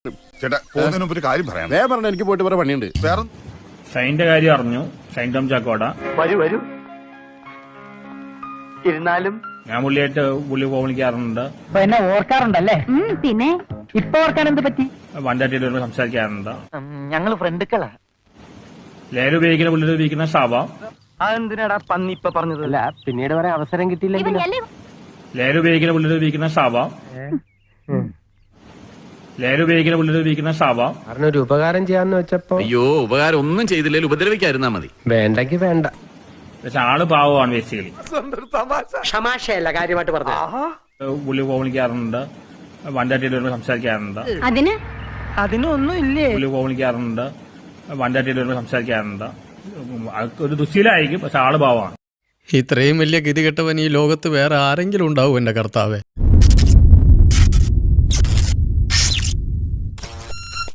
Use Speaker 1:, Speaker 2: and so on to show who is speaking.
Speaker 1: ചേട്ടാ പോകുന്നതിന് മുമ്പ് ഒരു കാര്യം പറയാം.
Speaker 2: വേറെ പറഞ്ഞ എനിക്ക് പോയിട്ട് വേറെ പണിയുണ്ട്.
Speaker 1: വേറെ
Speaker 3: ഷൈന്റെ കാര്യം അറിഞ്ഞു. ഷൈൻ ടോം ചാക്കോട
Speaker 4: വരൂ ഇരുന്നാലും
Speaker 3: ഞാൻ പുള്ളി ഫോൺ വിളിക്കാറുണ്ട്.
Speaker 4: എന്നെ ഓർക്കാറുണ്ടല്ലേ?
Speaker 5: പിന്നെ
Speaker 4: ഇപ്പൊ ഓർക്കാൻ എന്ത് പറ്റി?
Speaker 3: വണ്ടാറ്റിയിൽ വരുമ്പോൾ സംസാരിക്കാറുണ്ട്.
Speaker 4: ഞങ്ങള് ഫ്രണ്ടുക്കളാ.
Speaker 3: ലേല ഉപയോഗിക്കുന്ന പുള്ളി ഉപയോഗിക്കുന്ന ഷാബ.
Speaker 4: അതെന്തിനാടാ പന്നി ഇപ്പൊ പറഞ്ഞത്? അല്ല പിന്നീട് വരെ അവസരം കിട്ടിയില്ലെങ്കിൽ
Speaker 3: ലേല ഉപയോഗിക്കുന്ന പുള്ളി ഉപയോഗിക്കുന്ന ഷാബ. ലേല ഉപയോഗിക്കുന്ന പുള്ളി ഉപയോഗിക്കുന്ന ഷാബ.
Speaker 6: ഒരു ഉപകാരം ചെയ്യാന്ന് വെച്ചപ്പോ
Speaker 7: അയ്യോ ഉപകാരം ഒന്നും ചെയ്തില്ലെങ്കിൽ ഉപദ്രവിക്കാതിരുന്നാ മതി.
Speaker 6: വേണ്ടെങ്കി വേണ്ട.
Speaker 3: പക്ഷെ ആള് പാവമാണ് ബേസിക്കലി.
Speaker 4: ക്ഷമാശയല്ല കാര്യമായിട്ട് പറഞ്ഞു.
Speaker 3: പുള്ളി ഫോൺ വിളിക്കാറുണ്ട്. വണ്ടാറ്റിയിൽ വരുമ്പോൾ സംസാരിക്കാറുണ്ട്.
Speaker 4: അതിനൊന്നും ഇല്ലേ?
Speaker 3: പുള്ളി ഫോൺ വിളിക്കാറുണ്ട്. വണ്ടാറ്റിയിൽ വരുമ്പോൾ സംസാരിക്കാറുണ്ട്. ഒരു ദുശീലായിരിക്കും, പക്ഷെ ആള് പാവമാണ്.
Speaker 8: ഇത്രയും വലിയ ഗതികെട്ടവൻ ഈ ലോകത്ത് വേറെ ആരെങ്കിലും ഉണ്ടാവും എന്റെ കർത്താവേ.